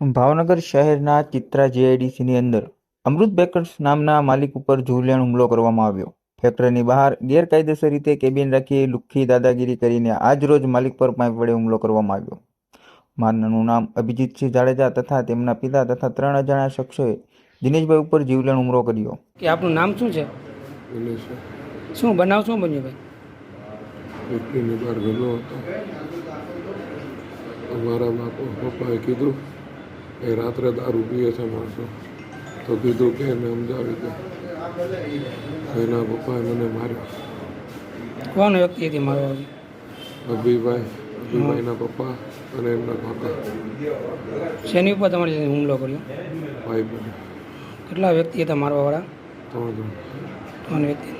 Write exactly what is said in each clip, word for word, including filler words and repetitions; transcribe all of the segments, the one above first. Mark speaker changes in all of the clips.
Speaker 1: ભાવનગર શહેરના ચિત્રા જીઆઈડીસીની અંદર અમૃત બેકર્સ નામના માલિક ઉપર જીવલેણ હુમલો કરવામાં આવ્યો। ફેક્ટરીની બહાર ગેરકાયદેસર રીતે કેબિન રાખી લુખ્ખી દાદાગીરી કરીને આજ રોજ માલિક પર પાઇપ વડે હુમલો કરવામાં આવ્યો। મારનારનું નામ અભિજીતસિંહ જાડેજા તથા તેમના પિતા તથા ત્રણ અજાણ્યા શખ્સોએ દિનેશભાઈ ઉપર જીવલેણ હુમલો કર્યો।
Speaker 2: કે આપનું નામ શું છે? શું બનાવ શું બન્યું ભાઈ?
Speaker 3: ફેક્ટરીની બહાર ગયેલો હતો। અમારા બાપા પપ્પાએ કીધું એ રાત્રે દારૂ પીએ છે માણસો, તો કીધું કે એને સમજાવી દે। એના પપ્પાએ મને માર્યો।
Speaker 2: કોણ વ્યક્તિ હતી મારો?
Speaker 3: અભિભાઈ અભિભાઈના પપ્પા અને એમના કાકા।
Speaker 2: શેની ઉપર તમારી સાથે હુમલો કર્યો?
Speaker 3: ભાઈ બને
Speaker 2: કેટલા વ્યક્તિ હતા મારવાવાળા?
Speaker 3: ત્રણ જણ
Speaker 2: ત્રણ વ્યક્તિ।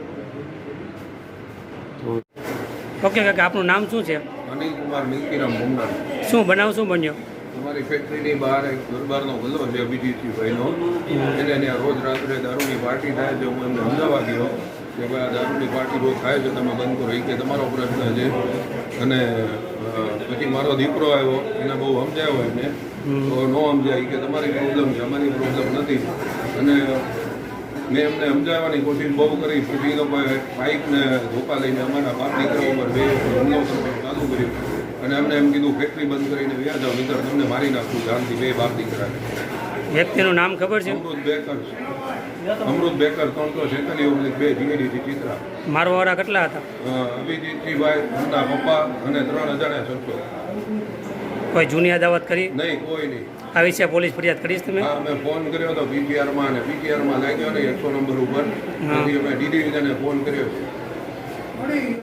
Speaker 3: ત્રણ
Speaker 2: ઓકે કાકા, આપનું નામ શું છે?
Speaker 4: અનિલ કુમાર મિલકીરામ ભૂમનાર।
Speaker 2: શું બનાવ શું બન્યો?
Speaker 4: અમારી ફેક્ટરીની બહાર એક દરબારનો ગલ્લો છે અભિજીતભાઈનો, એને ત્યાં રોજ રાત્રે દારૂની પાર્ટી થાય છે। હું એમને સમજાવવા ગયો કે ભાઈ આ દારૂની પાર્ટી રોજ થાય છે, તમે બંધ કરો, એ કે તમારો પ્રશ્ન છે। અને પછી મારો દીકરો આવ્યો, એને બહુ સમજાવ્યો એમને, તો ન સમજાય કે તમારી પ્રોબ્લેમ છે, અમારી પ્રોબ્લેમ નથી। અને મેં એમને સમજાવવાની કોશિશ બહુ કરી, પછી એ લોકોએ બાઇકને ધોકા લઈને અમારા બાપ દીકરા ઉપર બે હુમલો કરવાનું ચાલુ કર્યું અને એમને એમ કીધું ફેક્ટરી બંધ કરીને વ્યા જાઓ, નહીંતર તમને મારી નાખું જાનથી, બે બાપ દીકરાને।
Speaker 2: વ્યક્તિનું નામ ખબર છે?
Speaker 4: અમૃત બેકર અમૃત બેકર ત્રણસો છેતાલીસ ઓબ્લિક બે જીઆઈડીસી ચિત્રા।
Speaker 2: મારવાવાળા કેટલા હતા?
Speaker 4: અભિજીતજીભાઈ, એમના પપ્પા અને ત્રણ અજાણ્યા શખ્સો।
Speaker 2: કોઈ જૂની અદાવત કરી?
Speaker 4: નહીં, કોઈ નહીં।
Speaker 2: આ વિશે પોલીસ ફરિયાદ કરીશ તમે?
Speaker 4: હા, મેં ફોન કર્યો હતો પીટીઆરમાં, અને પીટીઆરમાં લાગ્યો ને એકસો નંબર ઉપર, પછી અમે ડીડીવીને ફોન કર્યો છે।